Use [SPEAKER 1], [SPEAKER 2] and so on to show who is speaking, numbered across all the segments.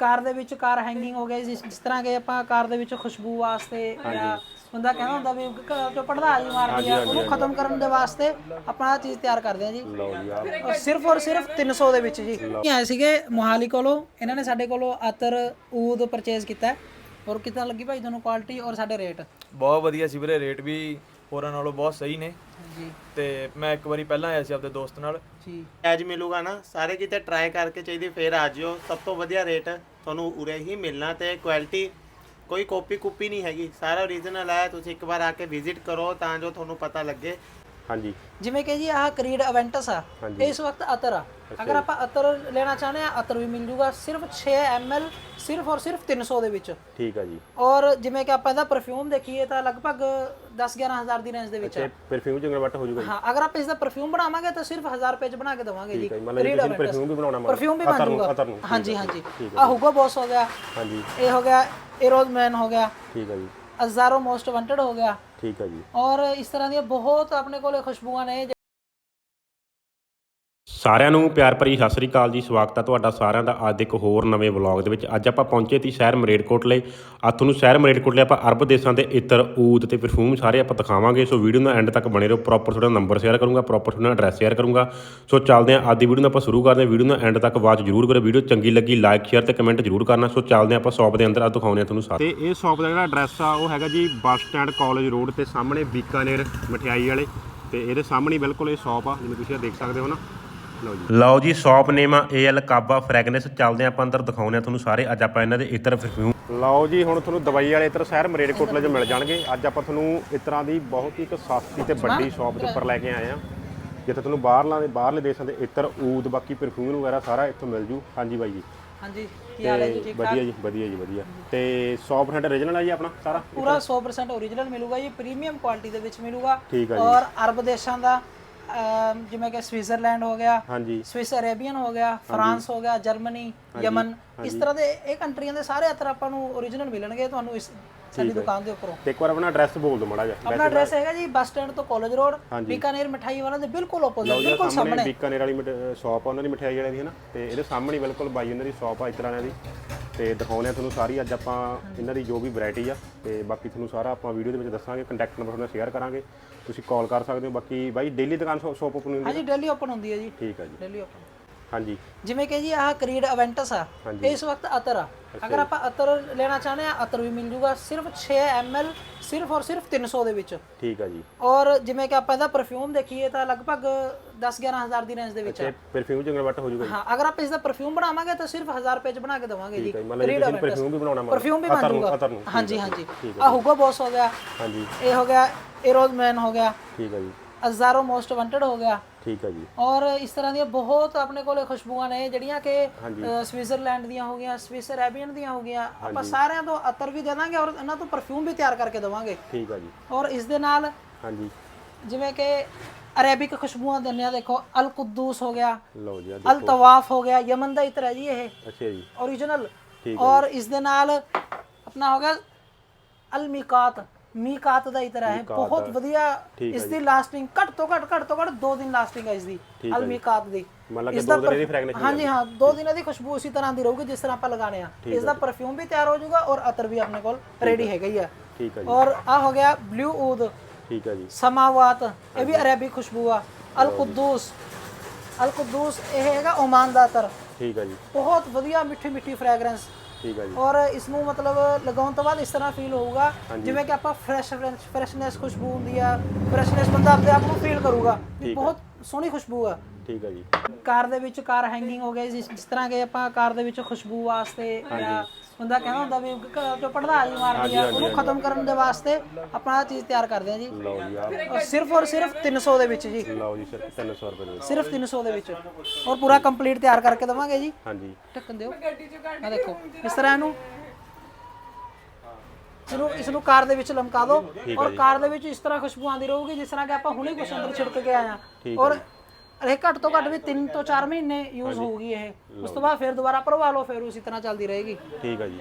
[SPEAKER 1] ਕਾਰ ਦੇ ਵਿੱਚ ਕਾਰ ਹੈਂਗਿੰਗ ਹੋ ਗਿਆ ਜਿਸ ਤਰ੍ਹਾਂ ਕਿ ਆਪਾਂ ਕਾਰ ਦੇ ਵਿੱਚ ਖੁਸ਼ਬੂ ਵਾਸਤੇ ਜਾਂ ਬੰਦਾ ਕਹਿੰਦਾ ਹੁੰਦਾ ਵੀ ਘਰ ਚੋਂ ਪੜਦਾ ਜੀ ਮਾਰਦੀ ਆ ਉਹਨੂੰ ਖਤਮ ਕਰਨ ਦੇ ਵਾਸਤੇ ਆਪਾਂ ਆਹ ਚੀਜ਼ ਤਿਆਰ ਕਰਦੇ ਆ ਜੀ। ਔਰ ਸਿਰਫ 300 ਦੇ ਵਿੱਚ ਜੀ। ਆਏ ਸੀਗੇ ਮੋਹਾਲੀ ਕੋਲੋਂ, ਇਹਨਾਂ ਨੇ ਸਾਡੇ ਕੋਲੋਂ ਅਤਰ ਊਦ ਪਰਚੇਜ਼ ਕੀਤਾ। ਔਰ ਕਿੱਦਾਂ ਲੱਗੀ ਭਾਈ ਤੁਹਾਨੂੰ ਕੁਆਲਿਟੀ ਔਰ ਸਾਡੇ ਰੇਟ?
[SPEAKER 2] ਬਹੁਤ ਵਧੀਆ ਸੀ ਵੀਰੇ, ਰੇਟ ਵੀ ਹੋਰਾਂ ਨਾਲੋਂ ਬਹੁਤ ਸਹੀ ਨੇ
[SPEAKER 1] ਜੀ।
[SPEAKER 2] ਤੇ ਮੈਂ ਇੱਕ ਵਾਰੀ ਪਹਿਲਾਂ ਆਇਆ ਸੀ ਆਪਣੇ ਦੋਸਤ ਨਾਲ
[SPEAKER 1] ਜੀ।
[SPEAKER 3] ਐਜ ਮਿਲੂਗਾ ਨਾ, ਸਾਰੇ ਕਿਤੇ ਟਰਾਈ ਕਰਕੇ ਚਾਹੀਦੀ ਫੇਰ ਆ ਜਿਓ। ਸਭ ਤੋਂ ਵਧੀਆ ਰੇਟ ਤੁਹਾਨੂੰ ਉਰੇ ਹੀ ਮਿਲਣਾ ਤੇ ਕੁਆਲਿਟੀ ਕੋਈ ਕਾਪੀ ਨਹੀਂ ਹੈਗੀ, ਸਾਰਾ ਓਰੀਜਨਲ ਹੈ। ਤੁਸੀਂ ਇੱਕ ਵਾਰ ਆ ਕੇ ਵਿਜ਼ਿਟ ਕਰੋ ਤਾਂ ਜੋ ਤੁਹਾਨੂੰ ਪਤਾ ਲੱਗੇ।
[SPEAKER 4] ਹਾਂਜੀ
[SPEAKER 1] ਜਿਵੇਂ ਕਿ ਜੀ ਆਹ ਕਰੀਡ ਅਵੈਂਟਸ ਆ, ਇਸ ਵਕਤ ਅਤਰ ਆ। ਅਗਰ ਆਪਾਂ ਅਤਰ ਲੈਣਾ ਚਾਹੁੰਦੇ ਆ ਅਤਰ ਵੀ ਮਿਲ ਜੂਗਾ ਸਿਰਫ 6 ml ਸਿਰਫ 300 ਦੇ ਵਿੱਚ।
[SPEAKER 4] ਠੀਕ ਆ ਜੀ।
[SPEAKER 1] ਔਰ ਜਿਵੇਂ ਕਿ ਆਪਾਂ ਇਹਦਾ ਪਰਫਿਊਮ ਦੇਖੀਏ ਤਾਂ ਲਗਭਗ 10-11 ਹਜ਼ਾਰ ਦੀ ਰੇਂਜ ਦੇ ਵਿੱਚ ਆ।
[SPEAKER 4] ਪਰਫਿਊਮ ਚ ਕਨਵਰਟ ਹੋ ਜੂਗਾ?
[SPEAKER 1] ਹਾਂ, ਅਗਰ ਆਪਾਂ ਇਸ ਦਾ ਪਰਫਿਊਮ ਬਣਾਵਾਂਗੇ ਤਾਂ ਸਿਰਫ 1000 ਰੁਪਏ ਚ ਬਣਾ ਕੇ ਦਵਾਂਗੇ ਜੀ।
[SPEAKER 4] ਮਤਲਬ ਪਰਫਿਊਮ ਵੀ ਬਣਾਉਣਾ?
[SPEAKER 1] ਪਰਫਿਊਮ ਵੀ ਬਣ ਜੂਗਾ। ਹਾਂਜੀ ਹਾਂਜੀ। ਆ ਹੁਗੋ ਬੌਸ ਹੋ ਗਿਆ।
[SPEAKER 4] ਹਾਂਜੀ।
[SPEAKER 1] ਇਹ ਹੋ ਗਿਆ ਏਰੋਜ਼ਮੈਨ ਹੋ ਗਿਆ।
[SPEAKER 4] ਠੀਕ ਆ ਜੀ।
[SPEAKER 1] ਅਜ਼ਾਰੋ ਮੋਸਟ ਵਾਂਟਡ ਹੋ ਗਿਆ।
[SPEAKER 4] ਠੀਕ ਆ ਜੀ।
[SPEAKER 1] ਔਰ ਇਸ ਤਰ੍ਹਾਂ ਦੀਆਂ ਬਹੁਤ ਆਪਣੇ ਕੋਲੇ ਖੁਸ਼ਬੂਆਂ ਨੇ।
[SPEAKER 4] ਸਾਰਿਆਂ ਨੂੰ ਪਿਆਰ ਭਰੀ ਸਤਿ ਸ੍ਰੀ ਅਕਾਲ ਜੀ। ਸਵਾਗਤ ਹੈ ਤੁਹਾਡਾ ਸਾਰਿਆਂ ਦਾ ਅੱਜ ਇੱਕ ਹੋਰ ਨਵੇਂ ਵਲੌਗ ਦੇ ਵਿੱਚ। ਅੱਜ ਆਪਾਂ ਪਹੁੰਚੇ ਸੀ ਸ਼ਹਿਰ ਮਰੇਟਕੋਟਲੇ। ਅੱਜ ਤੁਹਾਨੂੰ ਸ਼ਹਿਰ ਮਰੇਟਕੋਟਲੇ ਆਪਾਂ ਅਰਬ ਦੇਸ਼ਾਂ ਦੇ ਇਤਰ, ਊਦ ਤੇ ਪਰਫਿਊਮ ਸਾਰੇ ਆਪਾਂ ਦਿਖਾਵਾਂਗੇ। ਸੋ ਵੀਡੀਓ ਨੂੰ ਐਂਡ ਤੱਕ ਬਣੇ ਰਹੋ। ਪ੍ਰੋਪਰ ਤੁਹਾਡਾ ਨੰਬਰ ਸ਼ੇਅਰ ਕਰੂੰਗਾ, ਪ੍ਰੋਪਰ ਤੁਹਾਡਾ ਐਡਰੈਸ ਸ਼ੇਅਰ ਕਰੂੰਗਾ। ਸੋ ਚੱਲਦੇ ਹਾਂ, ਅੱਜ ਦੀ ਵੀਡੀਓ ਨੂੰ ਆਪਾਂ ਸ਼ੁਰੂ ਕਰਦੇ ਹਾਂ। ਵੀਡੀਓ ਨੂੰ ਐਂਡ ਤੱਕ ਵਾਚ ਜ਼ਰੂਰ ਕਰੋ। ਵੀਡੀਓ ਚੰਗੀ ਲੱਗੀ ਲਾਈਕ ਸ਼ੇਅਰ ਤੇ ਕਮੈਂਟ ਜ਼ਰੂਰ ਕਰਨਾ। ਸੋ ਚੱਲਦੇ ਹਾਂ ਆਪਾਂ ਸ਼ੌਪ ਦੇ ਅੰਦਰ, ਆ ਦਿਖਾਉਂਦੇ ਹਾਂ ਤੁਹਾਨੂੰ ਸਾਰੇ। ਤੇ ਇਹ ਸ਼ੌਪ ਦਾ ਜਿਹੜਾ ਐਡਰੈਸ ਆ ਉਹ ਹੈਗਾ ਜੀ ਬੱਸ ਸਟੈਂਡ ਕਾਲਜ ਰੋਡ ਤੇ ਸਾਹਮਣੇ ਬੀਕਾਨੇਰ ਮਠਿਆਈ ਵਾਲੇ। ਤੇ ਇਹਦੇ ਸਾਹਮਣੇ ਬਿਲਕੁਲ ਇਹ ਸ਼ੌਪ ਆ, ਜਿਵੇਂ ਤੁਸੀਂ ਦੇਖ ਸਕਦੇ ਹੋ ਨਾ। ਲਓ ਜੀ ਸ਼ੌਪ ਨੇਮ ਆ AL ਕਾਬਾ ਫ੍ਰੈਗਨੈਂਸ। ਚੱਲਦੇ ਆਪਾਂ ਅੰਦਰ ਦਿਖਾਉਂਦੇ ਆ ਤੁਹਾਨੂੰ ਸਾਰੇ। ਅੱਜ ਆਪਾਂ ਇਹਨਾਂ ਦੇ ਇਤਰ ਪਰਫਿਊਮ। ਲਓ ਜੀ ਹੁਣ ਤੁਹਾਨੂੰ ਦਵਾਈ ਵਾਲੇ ਇਤਰ ਸ਼ਹਿਰ ਮਰੇਟਕੋਟਲੇ 'ਚ ਮਿਲ ਜਾਣਗੇ। ਅੱਜ ਆਪਾਂ ਤੁਹਾਨੂੰ ਇਤਰਾਂ ਦੀ ਬਹੁਤ ਹੀ ਇੱਕ ਸਸਤੀ ਤੇ ਵੱਡੀ ਸ਼ੌਪ ਦੇ ਉੱਪਰ ਲੈ ਕੇ ਆਏ ਆ, ਜਿੱਥੇ ਤੁਹਾਨੂੰ ਬਾਹਰਲੇ ਦੇਸ਼ਾਂ ਦੇ ਇਤਰ, ਊਦ, ਬਾਕੀ ਪਰਫਿਊਮ ਵਗੈਰਾ ਸਾਰਾ ਇੱਥੋਂ ਮਿਲ ਜੂ। ਹਾਂਜੀ ਬਾਈ ਜੀ।
[SPEAKER 1] ਹਾਂਜੀ, ਕੀ ਹਾਲ ਹੈ ਜੀ? ਠੀਕ ਠਾਕ?
[SPEAKER 4] ਵਧੀਆ ਜੀ, ਵਧੀਆ ਜੀ, ਵਧੀਆ। ਤੇ 100% ਓਰੀਜਨਲ ਹੈ ਜੀ ਆਪਣਾ ਸਾਰਾ?
[SPEAKER 1] ਪੂਰਾ 100% ਓਰੀਜਨਲ ਮਿਲੂਗਾ ਜੀ, ਪ੍ਰੀਮੀਅਮ ਕੁਆਲਿਟੀ ਦੇ ਵਿੱਚ ਮਿਲੂਗਾ।
[SPEAKER 4] ਠੀਕ ਹੈ ਜੀ।
[SPEAKER 1] ਔਰ ਅਰਬ ਦੇਸ਼ਾਂ ਦਾ ਜਿਵੇਂ ਕਿ ਸਵਿਟਜ਼ਰਲੈਂਡ ਹੋ ਗਿਆ,
[SPEAKER 4] ਹਾਂਜੀ,
[SPEAKER 1] ਸਵਿਸ ਅਰੇਬੀਅਨ ਹੋ ਗਿਆ, ਫਰਾਂਸ ਹੋ ਗਿਆ, ਜਰਮਨੀ, ਯਮਨ, ਇਸ ਤਰ੍ਹਾਂ ਦੇ ਇਹ ਕੰਟਰੀਆਂ ਦੇ ਸਾਰੇ ਅਤਰ ਆਪਾਂ ਨੂੰ ਓਰੀਜਨਲ ਮਿਲਣਗੇ ਤੁਹਾਨੂੰ ਇਸ ਸਾਡੀ ਦੁਕਾਨ ਦੇ ਉੱਪਰੋਂ।
[SPEAKER 4] ਤੇ ਇੱਕ ਵਾਰ ਆਪਣਾ ਐਡਰੈਸ ਬੋਲ ਦਿਓ ਮਾੜਾ ਜਿਹਾ।
[SPEAKER 1] ਆਪਣਾ ਐਡਰੈਸ ਹੈਗਾ ਜੀ ਬੱਸ ਸਟੈਂਡ ਤੋਂ ਕਾਲਜ ਰੋਡ, ਬੀਕਾਨੇਰ ਮਿਠਾਈ ਵਾਲਾ ਦੇ ਬਿਲਕੁਲ ਆਪੋਜ਼ਿਟ, ਬਿਲਕੁਲ ਸਾਹਮਣੇ
[SPEAKER 4] ਬੀਕਾਨੇਰ ਵਾਲੀ ਸ਼ਾਪ ਆ ਉਹਨਾਂ ਦੀ ਮਠਿਆਈ ਵਾਲਿਆਂ ਦੀ, ਹੈ ਨਾ। ਤੇ ਇਹਦੇ ਸਾਹਮਣੇ ਬਿਲਕੁਲ ਬਾਈ ਉਹਨਾਂ ਦੀ ਸ਼ਾਪ ਆ ਇਸ ਤਰ੍ਹਾਂ ਦੀ। ਤੇ ਦਿਖਾਉਂਦੇ ਆ ਤੁਹਾਨੂੰ ਸਾਰੀ ਅੱਜ ਆਪਾਂ ਇਹਨਾਂ ਦੀ ਜੋ ਵੀ ਵੈਰਾਈਟੀ ਆ। ਤੇ ਬਾਕੀ ਤੁਹਾਨੂੰ ਸਾਰਾ ਆਪਾਂ ਵੀਡੀਓ ਦੇ ਵਿੱਚ ਦੱਸਾਂਗੇ। ਕੰਟੈਕਟ ਨੰਬਰ ਤੁਹਾਨੂੰ ਸ਼ੇਅਰ ਕਰਾਂਗੇ, ਤੁਸੀਂ ਕਾਲ ਕਰ ਸਕਦੇ ਹੋ। ਬਾਕੀ ਬਾਈ ਡੇਲੀ ਦੁਕਾਨ ਸ਼ਾਪ ਓਪਨ ਹੁੰਦੀ ਹੈ?
[SPEAKER 1] ਹਾਂਜੀ, ਡੇਲੀ ਓਪਨ ਹੁੰਦੀ ਹੈ ਜੀ।
[SPEAKER 4] ਠੀਕ ਹੈ ਜੀ,
[SPEAKER 1] ਡੇਲੀ ਓਪਨ।
[SPEAKER 4] ਹਾਂਜੀ।
[SPEAKER 1] ਜਿਵੇਂ ਕਿ ਜੀ ਆਹ ਕਰੀਡ ਅਵੈਂਟਸ ਆ, ਇਸ ਵਕਤ ਅਤਰ ਆ। ਅਗਰ ਆਪਾਂ ਅਤਰ ਲੈਣਾ ਚਾਹੁੰਦੇ ਆ ਅਤਰ ਵੀ ਮਿਲ ਜੂਗਾ ਸਿਰਫ 6 ml ਸਿਰਫ 300 ਦੇ ਵਿੱਚ।
[SPEAKER 4] ਠੀਕ ਆ ਜੀ।
[SPEAKER 1] ਔਰ ਜਿਵੇਂ ਕਿ ਆਪਾਂ ਇਹਦਾ ਪਰਫਿਊਮ ਦੇਖੀਏ ਤਾਂ ਲਗਭਗ 10-11 ਹਜ਼ਾਰ ਦੀ ਰੇਂਜ ਦੇ ਵਿੱਚ ਆ।
[SPEAKER 4] ਪਰਫਿਊਮ ਚ ਕਨਵਰਟ ਹੋ ਜੂਗਾ?
[SPEAKER 1] ਹਾਂ, ਅਗਰ ਆਪਾਂ ਇਸ ਦਾ ਪਰਫਿਊਮ ਬਣਾਵਾਂਗੇ ਤਾਂ ਸਿਰਫ 1000 ਰੁਪਏ ਚ ਬਣਾ ਕੇ ਦਵਾਂਗੇ ਜੀ।
[SPEAKER 4] ਮਤਲਬ ਪਰਫਿਊਮ ਵੀ ਬਣਾਉਣਾ?
[SPEAKER 1] ਪਰਫਿਊਮ ਵੀ ਬਣ ਜੂਗਾ। ਹਾਂਜੀ ਹਾਂਜੀ। ਆ ਹੁਗੋ ਬੌਸ ਹੋ ਗਿਆ।
[SPEAKER 4] ਹਾਂਜੀ।
[SPEAKER 1] ਇਹ ਹੋ ਗਿਆ ਏਰੋਜ਼ਮੈਨ ਹੋ ਗਿਆ।
[SPEAKER 4] ਠੀਕ ਆ ਜੀ।
[SPEAKER 1] ਅਜ਼ਾਰੋ ਮੋਸਟ ਵਾਂਟਡ ਹੋ ਗਿਆ।
[SPEAKER 4] ਠੀਕ ਆ ਜੀ।
[SPEAKER 1] ਔਰ ਇਸ ਤਰ੍ਹਾਂ ਦੀਆਂ ਬਹੁਤ ਆਪਣੇ ਕੋਲੇ ਖੁਸ਼ਬੂਆਂ ਨੇ ਜਿਹੜੀਆਂ ਕਿ ਸਵਿਟਜ਼ਰਲੈਂਡ ਦੀਆਂ ਹੋ ਗਈਆਂ, ਸਵਿਸ ਅਰੇਬੀਅਨ ਦੀਆਂ ਹੋ ਗਈਆਂ। ਆਪਾਂ ਸਾਰਿਆਂ ਤੋਂ ਅਤਰ ਵੀ ਦੇ ਦਾਂਗੇ ਔਰ ਇਹਨਾਂ ਤੋਂ ਪਰਫਿਊਮ ਵੀ ਤਿਆਰ ਕਰਕੇ ਦਵਾਂਗੇ।
[SPEAKER 4] ਠੀਕ ਆ ਜੀ।
[SPEAKER 1] ਔਰ ਇਸ ਦੇ ਨਾਲ
[SPEAKER 4] ਹਾਂਜੀ
[SPEAKER 1] ਜਿਵੇਂ ਕਿ ਅਰੇਬਿਕ ਖੁਸ਼ਬੂਆਂ ਦਿੰਦੇ ਆ, ਦੇਖੋ ਅਲ ਕੁਦੂਸ ਹੋ ਗਿਆ,
[SPEAKER 4] ਲਓ ਜੀ,
[SPEAKER 1] ਅਲ ਤਵਾਫ ਹੋ ਗਿਆ, ਯਮਨ ਦਾ ਇਤਰ ਹੈ ਜੀ ਇਹ।
[SPEAKER 4] ਅੱਛਾ ਜੀ।
[SPEAKER 1] ਓਰੀਜਨਲ। ਔਰ ਇਸ ਦੇ ਨਾਲ ਆਪਣਾ ਹੋ ਗਿਆ ਅਲ ਮੀਕਾਤ ਦਾ ਇਤਰ ਹੈ, ਬਹੁਤ ਵਧੀਆ। ਇਸ ਦੀ ਲਾਸਟਿੰਗ ਘੱਟ ਤੋਂ ਘੱਟ 2 ਦਿਨ ਲਾਸਟਿੰਗ ਹੈ ਇਸ ਦੀ, ਅਲ ਮੀਕਾਤ ਦੀ।
[SPEAKER 4] ਇਸ ਦਾ ਫ੍ਰੈਗਨੈਂਸ?
[SPEAKER 1] ਹਾਂਜੀ ਹਾਂ, 2 ਦਿਨਾਂ ਦੀ ਖੁਸ਼ਬੂ ਉਸੇ ਤਰ੍ਹਾਂ ਦੀ ਰਹੂਗੀ ਜਿਸ ਤਰ੍ਹਾਂ ਆਪਾਂ ਲਗਾਣੇ ਆ। ਇਸ ਦਾ ਪਰਫਿਊਮ ਵੀ ਤਿਆਰ ਹੋ ਜਾਊਗਾ ਔਰ ਅਤਰ ਵੀ ਆਪਣੇ ਕੋਲ ਰੈਡੀ ਹੈਗਾ ਹੀ ਆ।
[SPEAKER 4] ਠੀਕ ਹੈ ਜੀ।
[SPEAKER 1] ਔਰ ਆ ਹੋ ਗਿਆ ਬਲੂ ਊਦ।
[SPEAKER 4] ਠੀਕ ਹੈ ਜੀ।
[SPEAKER 1] ਸਮਾਵਾਤ, ਇਹ ਵੀ ਅਰੇਬਿਕ ਖੁਸ਼ਬੂ ਆ। ਅਲ ਕੁਦੂਸ ਇਹ ਹੈਗਾ ਓਮਾਨ ਦਾ ਅਤਰ। ਠੀਕ ਹੈ ਜੀ। ਬਹੁਤ ਵਧੀਆ ਮਿੱਠੀ ਫ੍ਰੈਗਰੈਂਸ। ਠੀਕ ਹੈ ਜੀ। ਔਰ ਇਸ ਨੂੰ ਮਤਲਬ ਲਗਾਉਣ ਤੋਂ ਬਾਅਦ ਇਸ ਤਰ੍ਹਾਂ ਫੀਲ ਹੋਊਗਾ ਜਿਵੇਂ ਕਿ ਆਪਾਂ ਫਰੈਸ਼ਨੈਸ ਖੁਸ਼ਬੂ ਹੁੰਦੀ ਆ, ਫਰੈਸ਼ਨੈਸ ਬੰਦਾ ਆਪਣੇ ਆਪ ਨੂੰ ਫੀਲ ਕਰੂਗਾ ਕਿ ਬਹੁਤ ਸੋਹਣੀ ਖੁਸ਼ਬੂ ਆ। ਠੀਕ ਹੈ ਜੀ। ਕਾਰ ਦੇ ਵਿੱਚ ਕਾਰ ਹੈਂਗਿੰਗ ਹੋ ਗਿਆ ਜਿਸ ਤਰ੍ਹਾਂ ਕਿ ਆਪਾਂ ਕਾਰ ਦੇ ਵਿੱਚ ਖੁਸ਼ਬੂ ਵਾਸਤੇ ਜਾਂ ਬੰਦਾ ਕਹਿੰਦਾ ਹੁੰਦਾ ਵੀ ਘਰ ਚੋਂ ਪੜਦਾ ਜੀ ਮਾਰਦੀ ਆ, ਉਹਨੂੰ ਖਤਮ ਕਰਨ ਦੇ ਵਾਸਤੇ ਆਪਾਂ ਆਹ ਚੀਜ਼ ਤਿਆਰ ਕਰਦੇ ਆ ਜੀ। ਸਿਰਫ 300 ਦੇ ਵਿੱਚ ਜੀ। ਲਓ ਜੀ, ਸਿਰਫ 300 ਰੁਪਏ ਦੇ ਵਿੱਚ, ਸਿਰਫ 300 ਦੇ ਵਿੱਚ। ਔਰ ਪੂਰਾ ਕੰਪਲੀਟ ਤਿਆਰ ਕਰਕੇ ਦਵਾਂਗੇ ਜੀ। ਹਾਂਜੀ। ਢੱਕਣ ਦਿਓ। ਆ ਦੇਖੋ ਇਸ ਤਰ੍ਹਾਂ ਇਸ ਨੂੰ ਕਾਰ ਦੇ ਵਿੱਚ ਲਮਕਾ ਦਿਓ ਔਰ ਕਾਰ ਦੇ ਵਿੱਚ ਇਸ ਤਰ੍ਹਾਂ ਖੁਸ਼ਬੂ ਆਉਂਦੀ ਰਹੂਗੀ ਜਿਸ ਤਰ੍ਹਾਂ ਕਿ ਆਪਾਂ ਹੁਣੇ ਕੁਛ ਅੰਦਰ ਛਿੜਕ ਕੇ ਆਏ ਆ। ਔਰ ਇਹ ਘੱਟ ਤੋਂ ਘੱਟ ਵੀ 3 ਤੋਂ 4 ਮਹੀਨੇ ਯੂਜ਼ ਹੋਊਗੀ ਇਹ। ਉਸ ਤੋਂ ਬਾਅਦ ਫਿਰ ਦੁਬਾਰਾ ਭਰਵਾ ਲਓ, ਫਿਰ ਉਸੇ ਤਰ੍ਹਾਂ ਚੱਲਦੀ ਰਹੇਗੀ। ਠੀਕ ਹੈ ਜੀ।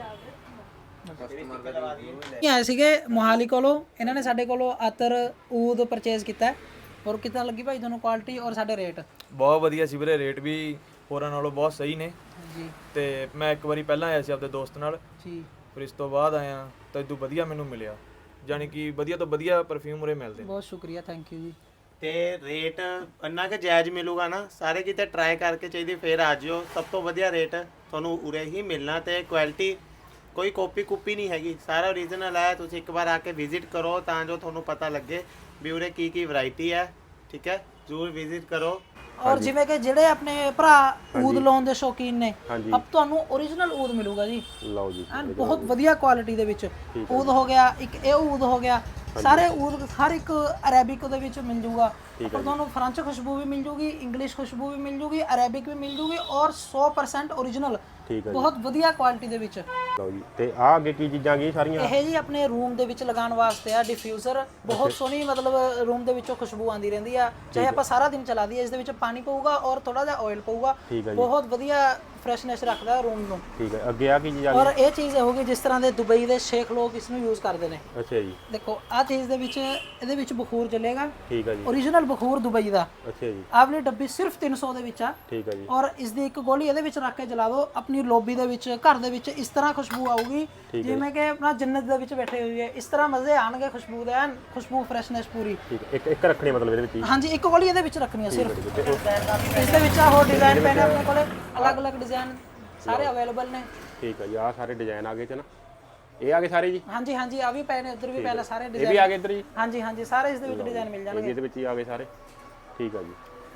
[SPEAKER 1] ਆਏ ਸੀਗੇ ਮੋਹਾਲੀ ਕੋਲੋਂ, ਇਹਨਾਂ ਨੇ ਸਾਡੇ ਕੋਲੋਂ ਅਤਰ ਊਦ ਪਰਚੇਜ਼ ਕੀਤਾ। ਔਰ ਕਿੱਦਾਂ ਲੱਗੀ ਭਾਈ ਤੁਹਾਨੂੰ ਕੁਆਲਿਟੀ ਔਰ ਸਾਡੇ ਰੇਟ?
[SPEAKER 2] ਬਹੁਤ ਵਧੀਆ ਸੀ ਵੀਰੇ, ਰੇਟ ਵੀ ਹੋਰਾਂ ਨਾਲੋਂ ਬਹੁਤ ਸਹੀ ਨੇ
[SPEAKER 1] ਜੀ
[SPEAKER 2] ਤੇ ਮੈਂ ਇੱਕ ਵਾਰੀ ਪਹਿਲਾਂ ਆਇਆ ਸੀ ਆਪਣੇ ਦੋਸਤ ਨਾਲ,
[SPEAKER 1] ਜੀ
[SPEAKER 2] ਫਿਰ ਇਸ ਤੋਂ ਬਾਅਦ ਆਇਆ ਤਾਂ ਇਦੋਂ ਵਧੀਆ ਮੈਨੂੰ ਮਿਲਿਆ, ਯਾਨੀ ਕਿ ਵਧੀਆ ਤੋਂ ਵਧੀਆ ਪਰਫਿਊਮ ਉਰੇ ਮਿਲਦੇ ਨੇ।
[SPEAKER 1] ਬਹੁਤ ਸ਼ੁਕਰੀਆ, ਥੈਂਕ ਯੂ ਜੀ।
[SPEAKER 3] ਤੇ ਰੇਟ ਇੰਨਾ ਕਿ ਜਾਇਜ਼ ਮਿਲੂਗਾ ਨਾ, ਸਾਰੇ ਕਿਤੇ ਟਰਾਈ ਕਰਕੇ ਚਾਹੀਦੀ ਫੇਰ ਆ ਜਿਓ। ਸਭ ਤੋਂ ਵਧੀਆ ਰੇਟ ਤੁਹਾਨੂੰ ਉਰੇ ਹੀ ਮਿਲਣਾ ਤੇ ਕੁਆਲਿਟੀ ਕੋਈ ਕਾਪੀ ਨਹੀਂ ਹੈਗੀ, ਸਾਰਾ ਓਰੀਜਨਲ ਹੈ। ਤੁਸੀਂ ਇੱਕ ਵਾਰ ਆ ਕੇ ਵਿਜ਼ਿਟ ਕਰੋ ਤਾਂ ਜੋ ਤੁਹਾਨੂੰ ਪਤਾ ਲੱਗੇ ਵੀ ਉਰੇ ਕੀ ਵੈਰਾਈਟੀ ਹੈ। ਠੀਕ ਹੈ, ਜ਼ਰੂਰ ਵਿਜ਼ਿਟ ਕਰੋ।
[SPEAKER 1] ਔਰ ਜਿਵੇਂ ਕਿ ਜਿਹੜੇ ਆਪਣੇ ਭਰਾ ਊਦ ਲਾਉਣ ਦੇ ਸ਼ੌਕੀਨ ਨੇ,
[SPEAKER 4] ਹਾਂਜੀ।
[SPEAKER 1] ਅਬ ਤੁਹਾਨੂੰ ਓਰੀਜਨਲ ਊਦ ਮਿਲੂਗਾ ਜੀ,
[SPEAKER 4] ਲਓ ਜੀ
[SPEAKER 1] ਐਨ ਬਹੁਤ ਵਧੀਆ ਕੁਆਲਿਟੀ ਦੇ ਵਿੱਚ। ਊਦ ਹੋ ਗਿਆ, ਇੱਕ ਇਹ ਊਦ ਹੋ ਗਿਆ, ਸਾਰੇ ਊਦ ਹਰ ਇੱਕ ਅਰੇਬਿਕ ਦੇ ਵਿੱਚ ਮਿਲ ਜੂਗਾ। ਪਰ ਤੁਹਾਨੂੰ ਫ੍ਰੈਂਚ ਖੁਸ਼ਬੂ ਵੀ ਮਿਲ ਜੂਗੀ, ਇੰਗਲਿਸ਼ ਖੁਸ਼ਬੂ ਵੀ ਮਿਲ ਜੂਗੀ, ਅਰੇਬਿਕ ਵੀ ਮਿਲ ਜੂਗੀ ਔਰ 100% ਓਰੀਜਨਲ,
[SPEAKER 4] ਠੀਕ ਹੈ
[SPEAKER 1] ਬਹੁਤ ਵਧੀਆ ਕੁਆਲਿਟੀ ਦੇ ਵਿੱਚ।
[SPEAKER 4] ਲਓ ਜੀ, ਤੇ ਆਹ ਅੱਗੇ ਕੀ ਚੀਜ਼ਾਂ ਗਈ ਸਾਰੀਆਂ?
[SPEAKER 1] ਇਹ ਜੀ ਆਪਣੇ ਰੂਮ ਦੇ ਵਿੱਚ ਲਗਾਉਣ ਵਾਸਤੇ ਆ ਡਿਫਿਊਜ਼ਰ, ਬਹੁਤ ਸੋਹਣੀ ਮਤਲਬ ਰੂਮ ਦੇ ਵਿੱਚੋਂ ਖੁਸ਼ਬੂ ਆਉਂਦੀ ਰਹਿੰਦੀ ਆ, ਚਾਹੇ ਆਪਾਂ ਸਾਰਾ ਦਿਨ ਚਲਾ ਦਈਏ। ਇਸ ਦੇ ਵਿੱਚ ਪਾਣੀ ਪਊਗਾ ਔਰ ਥੋੜਾ ਜਿਹਾ ਆਇਲ ਪਊਗਾ, ਬਹੁਤ ਵਧੀਆ ਫਰੈਸ਼ਨੈਸ ਰੱਖਦਾ ਰੂਮ ਨੂੰ।
[SPEAKER 4] ਠੀਕ ਹੈ, ਅੱਗੇ ਆ ਕੀ ਚੀਜ਼ ਆ
[SPEAKER 1] ਔਰ ਇਹ ਚੀਜ਼ ਹੋਗੀ ਜਿਸ ਤਰ੍ਹਾਂ ਦੇ ਦੁਬਈ ਦੇ ਸ਼ੇਖ ਲੋਕ ਇਸ ਨੂੰ ਯੂਜ਼ ਕਰਦੇ ਨੇ।
[SPEAKER 4] ਅੱਛਾ ਜੀ,
[SPEAKER 1] ਦੇਖੋ ਆਹ ਚੀਜ਼ ਦੇ ਵਿੱਚ ਇਹਦੇ ਵਿੱਚ ਬਖੂਰ ਚੱਲੇਗਾ,
[SPEAKER 4] ਠੀਕ ਹੈ ਜੀ,
[SPEAKER 1] ਓਰੀਜਨਲ ਬਖੂਰ ਦੁਬਈ ਦਾ।
[SPEAKER 4] ਅੱਛਾ ਜੀ,
[SPEAKER 1] ਆਹ ਵਾਲੀ ਡੱਬੀ ਸਿਰਫ 300 ਦੇ ਵਿੱਚ ਆ,
[SPEAKER 4] ਠੀਕ ਹੈ ਜੀ,
[SPEAKER 1] ਔਰ ਇਸ ਦੀ ਇੱਕ ਗੋਲੀ ਇਹਦੇ ਵਿੱਚ ਰੱਖ ਕੇ ਜਲਾ ਦਿਓ, ਆਪਣੀ ਲੌਬੀ ਦੇ ਵਿੱਚ, ਘਰ ਦੇ ਵਿੱਚ ਇਸ ਤਰ੍ਹਾਂ ਖੁਸ਼ਬੂ ਆਊਗੀ ਜਿਵੇਂ ਕਿ ਆਪਣਾ ਜੰਨਤ ਦੇ ਵਿੱਚ ਬੈਠੇ ਹੋਏ ਹੈ। ਇਸ ਤਰ੍ਹਾਂ ਮਜ਼ੇ ਆਣਗੇ ਖੁਸ਼ਬੂ ਦੇ, ਐਨ ਖੁਸ਼ਬੂ ਫਰੈਸ਼ਨੈਸ ਪੂਰੀ।
[SPEAKER 4] ਠੀਕ ਹੈ, ਇੱਕ ਰੱਖਣੀ ਮਤਲਬ ਇਹਦੇ ਵਿੱਚ ਹੀ?
[SPEAKER 1] ਹਾਂਜੀ, ਇੱਕ ਗੋਲੀ ਇਹਦੇ ਵਿੱਚ ਰੱਖਣੀ ਹੈ ਸਿਰਫ। ਇਸ ਦੇ ਵਿੱਚ ਹੋਰ ਡਿਜ਼ਾਈਨ ਪੈਣੇ ਆਪਣੇ ਕੋਲੇ, ਅਲੱਗ-ਅਲੱਗ ਡਿਜ਼ਾਈਨ ਸਾਰੇ ਅਵੇਲੇਬਲ ਨੇ।
[SPEAKER 4] ਠੀਕ ਹੈ ਜੀ, ਆਹ ਸਾਰੇ ਡਿਜ਼ਾਈਨ ਆ ਗਏ ਚ ਨਾ, ਇਹ ਆ ਗਏ ਸਾਰੇ ਜੀ?
[SPEAKER 1] ਹਾਂਜੀ ਹਾਂਜੀ, ਆ ਵੀ ਪਏ ਨੇ, ਉੱਧਰ ਵੀ ਪਏ ਨੇ ਸਾਰੇ
[SPEAKER 4] ਇਹ ਵੀ
[SPEAKER 1] ਡਿਜ਼ਾਈਨ।
[SPEAKER 4] ਆ ਗਏ ਇੱਧਰ ਜੀ?
[SPEAKER 1] ਹਾਂਜੀ ਹਾਂਜੀ, ਸਾਰੇ ਇਸ ਦੇ ਵਿੱਚ ਡਿਜ਼ਾਈਨ ਮਿਲ
[SPEAKER 4] ਇਹ
[SPEAKER 1] ਜਾਣਗੇ।
[SPEAKER 4] ਵੀ ਇਹਦੇ ਵਿੱਚ ਹੀ ਆ ਗਏ ਸਾਰੇ? ਠੀਕ ਹੈ ਜੀ,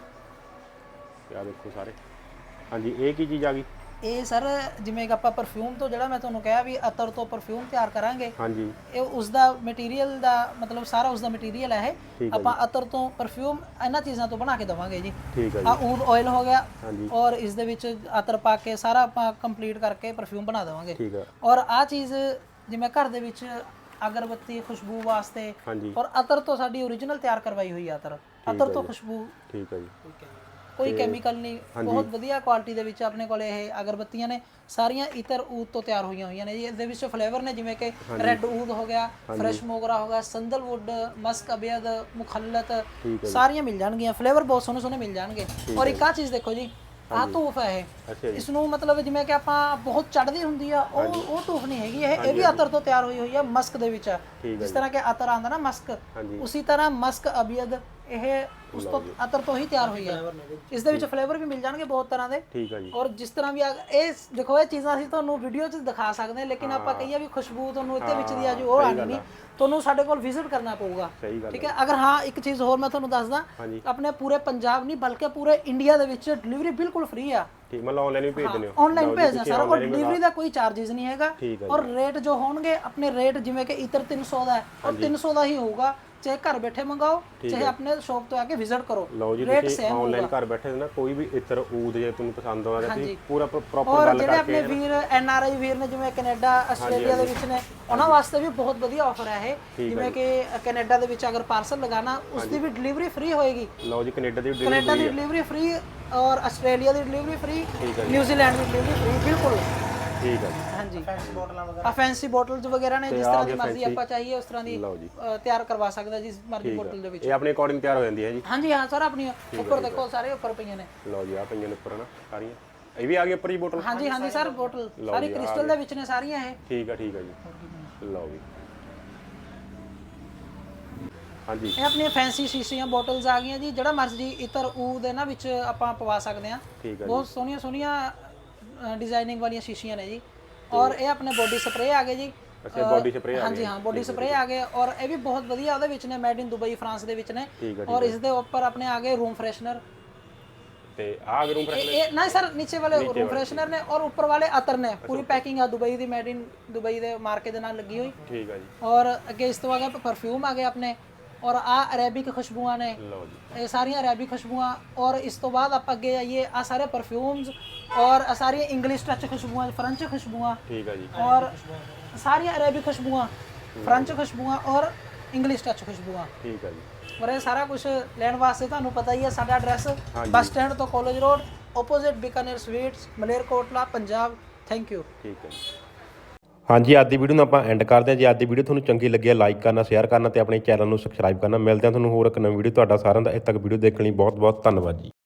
[SPEAKER 4] ਆ ਦੇਖੋ ਸਾਰੇ। ਹਾਂਜੀ, ਇਹ ਕੀ ਚੀਜ਼ ਆ ਗਈ?
[SPEAKER 1] ਇਹ ਸਰ ਜਿਵੇਂ ਕਿ ਆਪਾਂ ਪਰਫਿਊਮ ਤੋਂ, ਜਿਹੜਾ ਮੈਂ ਤੁਹਾਨੂੰ ਕਿਹਾ ਵੀ ਅਤਰ ਤੋਂ ਪਰਫਿਊਮ ਤਿਆਰ ਕਰਾਂਗੇ,
[SPEAKER 4] ਹਾਂਜੀ,
[SPEAKER 1] ਇਹ ਉਸ ਦਾ ਮਟੀਰੀਅਲ ਦਾ ਮਤਲਬ ਸਾਰਾ ਉਸ ਦਾ ਮਟੀਰੀਅਲ ਹੈ ਇਹ। ਆਪਾਂ ਅਤਰ ਤੋਂ ਪਰਫਿਊਮ ਇਹਨਾਂ ਚੀਜ਼ਾਂ ਤੋਂ ਬਣਾ ਕੇ ਦਵਾਂਗੇ ਜੀ।
[SPEAKER 4] ਠੀਕ ਹੈ
[SPEAKER 1] ਆ ਊਦ ਆਇਲ ਹੋ ਗਿਆ,
[SPEAKER 4] ਹਾਂਜੀ,
[SPEAKER 1] ਔਰ ਇਸ ਦੇ ਵਿੱਚ ਅਤਰ ਪਾ ਕੇ ਸਾਰਾ ਆਪਾਂ ਕੰਪਲੀਟ ਕਰਕੇ ਪਰਫਿਊਮ ਬਣਾ ਦੇਵਾਂਗੇ।
[SPEAKER 4] ਠੀਕ ਹੈ,
[SPEAKER 1] ਔਰ ਆ ਚੀਜ਼ ਜਿਵੇਂ ਘਰ ਦੇ ਵਿੱਚ ਅਗਰਬੱਤੀ ਖੁਸ਼ਬੂ ਵਾਸਤੇ,
[SPEAKER 4] ਹਾਂਜੀ,
[SPEAKER 1] ਔਰ ਅਤਰ ਤੋਂ ਸਾਡੀ ਓਰੀਜਨਲ ਤਿਆਰ ਕਰਵਾਈ ਹੋਈ ਹੈ ਅਤਰ ਤੋਂ ਖੁਸ਼ਬੂ,
[SPEAKER 4] ਠੀਕ ਹੈ ਜੀ,
[SPEAKER 1] ਕੋਈ ਕੈਮੀਕਲ ਨਹੀਂ, ਬਹੁਤ ਵਧੀਆ ਕੁਆਲਿਟੀ ਦੇ ਵਿੱਚ ਆਪਣੇ ਕੋਲੇ ਇਹ ਅਗਰਬੱਤੀਆਂ ਨੇ, ਸਾਰੀਆਂ ਇਤਰ ਊਦ ਤੋਂ ਤਿਆਰ ਹੋਈਆਂ ਨੇ ਜੀ। ਇਹਦੇ ਵਿੱਚ ਫਲੇਵਰ ਨੇ ਜਿਵੇਂ ਕਿ ਰੈੱਡ ਊਦ ਹੋ ਗਿਆ, ਫਰੈਸ਼ ਮੋਗਰਾ ਹੋ ਗਿਆ, ਸੰਦਲਵੁੱਡ, ਮਸਕ ਅਬੀਦ, ਮੁਖੱਲਤ, ਸਾਰੀਆਂ ਮਿਲ ਜਾਣਗੀਆਂ। ਫਲੇਵਰ ਬਹੁਤ ਸੋਹਣੇ ਸੋਹਣੇ ਮਿਲ ਜਾਣਗੇ। ਔਰ ਇੱਕ ਆ ਚੀਜ਼ ਦੇਖੋ ਜੀ, ਆਹ ਧੂਫ ਹੈ ਇਹ, ਇਸ ਨੂੰ ਮਤਲਬ ਜਿਵੇਂ ਕਿ ਆਪਾਂ ਬਹੁਤ ਚੜ੍ਹਦੀ ਹੁੰਦੀ ਆ, ਉਹ ਧੂਫ ਨਹੀਂ ਹੈਗੀ ਇਹ ਵੀ ਅਤਰ ਤੋਂ ਤਿਆਰ ਹੋਈ ਹੋਈ ਆ, ਮਸਕ ਦੇ ਵਿੱਚ। ਜਿਸ ਤਰ੍ਹਾਂ ਕਿ ਅਤਰ ਆਂਦਾ ਨਾ ਮਸਕ, ਉਸੇ ਤਰ੍ਹਾਂ ਮਸਕ ਅਬੀਦ ਇਹ ਉਸ ਤੋਂ ਅਤਰ ਤੋਂ ਹੀ ਤਿਆਰ ਹੋਈ ਹੈ। ਇਸ ਦੇ ਵਿੱਚ ਫਲੇਵਰ ਵੀ ਮਿਲ ਜਾਣਗੇ ਬਹੁਤ ਤਰ੍ਹਾਂ ਦੇ।
[SPEAKER 4] ਠੀਕ ਹੈ ਜੀ,
[SPEAKER 1] ਔਰ ਜਿਸ ਤਰ੍ਹਾਂ ਵੀ ਇਹ ਦੇਖੋ, ਇਹ ਚੀਜ਼ਾਂ ਅਸੀਂ ਤੁਹਾਨੂੰ ਵੀਡੀਓ 'ਚ ਦਿਖਾ ਸਕਦੇ ਹਾਂ, ਲੇਕਿਨ ਆਪਾਂ ਕਹੀਏ ਵੀ ਖੁਸ਼ਬੂ ਤੁਹਾਨੂੰ ਇੱਥੇ ਵਿੱਚ ਦੀ ਆ ਜੋ ਉਹ ਆਣੀ ਨਹੀਂ, ਤੁਹਾਨੂੰ ਸਾਡੇ ਕੋਲ ਵਿਜ਼ਿਟ ਕਰਨਾ ਪਊਗਾ। ਠੀਕ ਹੈ, ਅਗਰ ਹਾਂ ਇੱਕ ਚੀਜ਼ ਹੋਰ ਮੈਂ ਤੁਹਾਨੂੰ ਦੱਸਦਾ, ਆਪਣੇ ਪੂਰੇ ਪੰਜਾਬ ਨਹੀਂ ਬਲਕਿ ਪੂਰੇ ਇੰਡੀਆ ਦੇ ਵਿੱਚ ਡਿਲੀਵਰੀ ਬਿਲਕੁਲ ਫ੍ਰੀ ਆ।
[SPEAKER 4] ਠੀਕ, ਮਤਲਬ ਆਨਲਾਈਨ ਵੀ ਭੇਜ ਦਿੰਦੇ ਹੋ?
[SPEAKER 1] ਆਨਲਾਈਨ ਭੇਜਣਾ ਸਰ, ਔਰ ਡਿਲੀਵਰੀ ਦਾ ਕੋਈ ਚਾਰजेस ਨਹੀਂ ਹੈਗਾ। ਔਰ ਰੇਟ ਜੋ ਹੋਣਗੇ ਆਪਣੇ ਰੇਟ ਜਿਵੇਂ ਕਿ ਇਤਰ 300 ਦਾ ਹੈ, ਔਰ 300 ਦਾ ਹੀ ਹੋਊਗਾ, ਚਾਹੇ ਘਰ ਬੈਠੇ ਮੰਗਾਓ ਚਾਹੇ ਆਪਣੇ ਸ਼ੌਪ ਤੋਂ ਆ ਕੇ ਵਿਜ਼ਿਟ ਕਰੋ।
[SPEAKER 4] ਲਓ ਜੀ,
[SPEAKER 1] ਰੇਟ
[SPEAKER 4] ਤੁਸੀਂ
[SPEAKER 1] ਸੇਮ
[SPEAKER 4] ਆਨਲਾਈਨ ਘਰ ਬੈਠੇ ਨਾ ਕੋਈ ਵੀ ਇਤਰ ਊਦ ਜੇ ਤੁਹਾਨੂੰ ਪਸੰਦ ਆਉਂਦਾ ਤੁਸੀਂ ਪੂਰਾ ਪ੍ਰੋਪਰ
[SPEAKER 1] ਔਰ
[SPEAKER 4] ਗੱਲ
[SPEAKER 1] ਜਿਹੜੇ
[SPEAKER 4] ਕਰਕੇ।
[SPEAKER 1] ਆਪਣੇ ਵੀਰ NRI ਵੀਰ ਨੇ ਜਿਵੇਂ ਕੈਨੇਡਾ ਆਸਟ੍ਰੇਲੀਆ ਦੇ ਵਿੱਚ ਨੇ, ਉਹਨਾਂ ਵਾਸਤੇ ਵੀ ਬਹੁਤ ਵਧੀਆ ਆਫਰ ਹੈ ਇਹ। ਜਿਵੇਂ ਕਿ ਕੈਨੇਡਾ ਦੇ ਵਿੱਚ ਅਗਰ ਪਾਰਸਲ ਲਗਾਣਾ, ਉਸ ਦੀ ਵੀ ਡਿਲੀਵਰੀ ਫ੍ਰੀ ਹੋਏਗੀ।
[SPEAKER 4] ਲਓ ਜੀ, ਕੈਨੇਡਾ ਦੀ
[SPEAKER 1] ਡਿਲੀਵਰੀ ਫ੍ਰੀ, ਔਰ ਆਸਟ੍ਰੇਲੀਆ ਦੀ ਡਿਲੀਵਰੀ ਫ੍ਰੀ, ਨਿਊਜ਼ੀਲੈਂਡ ਦੀ ਡਿਲੀਵਰੀ ਫ੍ਰੀ, ਬਿਲਕੁਲ।
[SPEAKER 4] ਠੀਕ ਹੈ ਜੀ,
[SPEAKER 1] ਹਾਂਜੀ, ਆ ਫੈਂਸੀ ਬੋਟਲਸ ਵਗੈਰਾ ਨੇ, ਜਿਸ ਤਰ੍ਹਾਂ ਦੀ ਮਰਜ਼ੀ ਆਪਾਂ ਚਾਹੀਏ ਉਸ ਤਰ੍ਹਾਂ ਦੀ ਤਿਆਰ ਕਰਵਾ ਸਕਦਾ, ਜਿਸ ਮਰਜ਼ੀ ਬੋਟਲ ਦੇ ਵਿੱਚ।
[SPEAKER 4] ਇਹ ਆਪਣੇ ਅਕੋਰਡਿੰਗ ਤਿਆਰ ਹੋ ਜਾਂਦੀ ਹੈ ਜੀ?
[SPEAKER 1] ਹਾਂਜੀ ਹਾਂ ਸਰ, ਆਪਣੀ ਉੱਪਰ ਦੇਖੋ ਸਾਰੇ ਉੱਪਰ ਪਈਆਂ ਨੇ।
[SPEAKER 4] ਲਓ ਜੀ, ਆ ਪਈਆਂ ਨੇ ਉੱਪਰ ਨਾ ਸਾਰੀਆਂ, ਇਹ ਵੀ ਆ ਗਈ ਉੱਪਰ ਜੀ ਬੋਟਲ?
[SPEAKER 1] ਹਾਂਜੀ ਹਾਂਜੀ ਸਰ, ਬੋਟਲ ਸਾਰੀ ਕ੍ਰਿਸਟਲ ਦੇ ਵਿੱਚ ਨੇ ਸਾਰੀਆਂ ਇਹ।
[SPEAKER 4] ਠੀਕ ਹੈ, ਠੀਕ ਹੈ ਜੀ, ਲਓ ਜੀ। ਹਾਂਜੀ,
[SPEAKER 1] ਇਹ ਆਪਣੀਆਂ ਫੈਂਸੀ ਸ਼ੀਸ਼ੀਆਂ ਬੋਟਲਸ ਆ ਗਈਆਂ ਜੀ, ਜਿਹੜਾ ਮਰਜ਼ੀ ਇਤਰ ਊਦ ਇਹਨਾਂ ਵਿੱਚ ਆਪਾਂ ਪਵਾ ਸਕਦੇ ਹਾਂ। ਬਹੁਤ ਸੋਹਣੀਆਂ ਸੋਹਣੀਆਂ ਡਿਜ਼ਾਈਨਿੰਗ ਵਾਲੀਆਂ ਸ਼ੀਸ਼ੀਆਂ ਨੇ ਜੀ। ਔਰ ਇਹ ਆਪਣੇ ਬੋਡੀ ਸਪਰੇ ਆ ਗਏ ਜੀ।
[SPEAKER 4] ਅੱਛਾ, ਬੋਡੀ ਸਪਰੇ ਆ ਗਏ? ਹਾਂਜੀ
[SPEAKER 1] ਹਾਂ, ਬੋਡੀ ਸਪਰੇ ਆ ਗਏ, ਔਰ ਇਹ ਵੀ ਬਹੁਤ ਵਧੀਆ ਉਹਦੇ ਵਿੱਚ ਨੇ, ਮੇਡ ਇਨ ਦੁਬਈ ਫਰਾਂਸ ਦੇ ਵਿੱਚ ਨੇ। ਔਰ ਇਸ ਦੇ ਉੱਪਰ ਆਪਣੇ ਆ ਗਏ ਰੂਮ ਫਰੈਸ਼ਨਰ,
[SPEAKER 4] ਤੇ ਆ ਰੂਮ ਫਰੈਸ਼ਨਰ
[SPEAKER 1] ਇਹ ਨਾ ਸਰ, ਨੀਚੇ ਵਾਲੇ ਰੂਮ ਫਰੈਸ਼ਨਰ ਨੇ, ਔਰ ਉੱਪਰ ਵਾਲੇ ਅਤਰ ਨੇ। ਪੂਰੀ ਪੈਕਿੰਗ ਆ ਦੁਬਈ ਦੀ, ਮੇਡ ਇਨ ਦੁਬਈ ਦੇ ਮਾਰਕੇ ਦੇ ਨਾਲ ਲੱਗੀ ਹੋਈ।
[SPEAKER 4] ਠੀਕ ਹੈ ਜੀ।
[SPEAKER 1] ਔਰ ਅੱਗੇ ਇਸ ਤੋਂ ਆ ਗਏ ਪਰਫਿਊਮ ਆ ਗਏ ਆਪਣੇ, ਔਰ ਆ ਅਰੇਬਿਕ ਖੁਸ਼ਬੂਆਂ ਨੇ।
[SPEAKER 4] ਲਓ ਜੀ,
[SPEAKER 1] ਇਹ ਸਾਰੀਆਂ ਅਰੇਬਿਕ ਖੁਸ਼ਬੂਆਂ। ਔਰ ਇਸ ਤੋਂ ਬਾਅਦ ਆਪਾਂ ਅੱਗੇ ਆਈਏ, ਆ ਸਾਰੇ ਪਰਫਿਊਮਸ, ਔਰ ਆ ਸਾਰੀਆਂ ਇੰਗਲਿਸ਼ ਟੱਚ ਖੁਸ਼ਬੂਆਂ, ਫ੍ਰੈਂਚ ਖੁਸ਼ਬੂਆਂ।
[SPEAKER 4] ਠੀਕ ਹੈ ਜੀ,
[SPEAKER 1] ਔਰ ਸਾਰੀਆਂ ਅਰੇਬਿਕ ਖੁਸ਼ਬੂਆਂ, ਫ੍ਰੈਂਚ ਖੁਸ਼ਬੂਆਂ ਔਰ ਇੰਗਲਿਸ਼ ਟੱਚ ਖੁਸ਼ਬੂਆਂ।
[SPEAKER 4] ਠੀਕ ਹੈ ਜੀ।
[SPEAKER 1] ਔਰ ਇਹ ਸਾਰਾ ਕੁਝ ਲੈਣ ਵਾਸਤੇ ਤੁਹਾਨੂੰ ਪਤਾ ਹੀ ਹੈ, ਸਾਡਾ ਐਡਰੈਸ ਬੱਸ ਸਟੈਂਡ ਤੋਂ college road, opposite Bikaner sweets, Malerkotla, Punjab. Thank you.
[SPEAKER 4] ਠੀਕ ਹੈ ਜੀ। ਹਾਂਜੀ, ਅੱਜ ਦੀ ਵੀਡੀਓ ਨੂੰ ਆਪਾਂ ਐਂਡ ਕਰਦੇ ਹਾਂ। ਜੇ ਅੱਜ ਦੀ ਵੀਡੀਓ ਤੁਹਾਨੂੰ ਚੰਗੀ ਲੱਗੀ ਹੈ, ਲਾਈਕ ਕਰਨਾ, ਸ਼ੇਅਰ ਕਰਨਾ ਤੇ ਆਪਣੇ ਚੈਨਲ ਨੂੰ ਸਬਸਕ੍ਰਾਈਬ ਕਰਨਾ। ਮਿਲਦੇ ਹਾਂ ਤੁਹਾਨੂੰ ਹੋਰ ਇੱਕ ਨਵੀਂ ਵੀਡੀਓ। ਤੁਹਾਡਾ ਸਾਰਿਆਂ ਦਾ ਇੱਥੇ ਤੱਕ ਵੀਡੀਓ ਦੇਖਣ ਲਈ ਬਹੁਤ ਬਹੁਤ ਧੰਨਵਾਦ ਜੀ।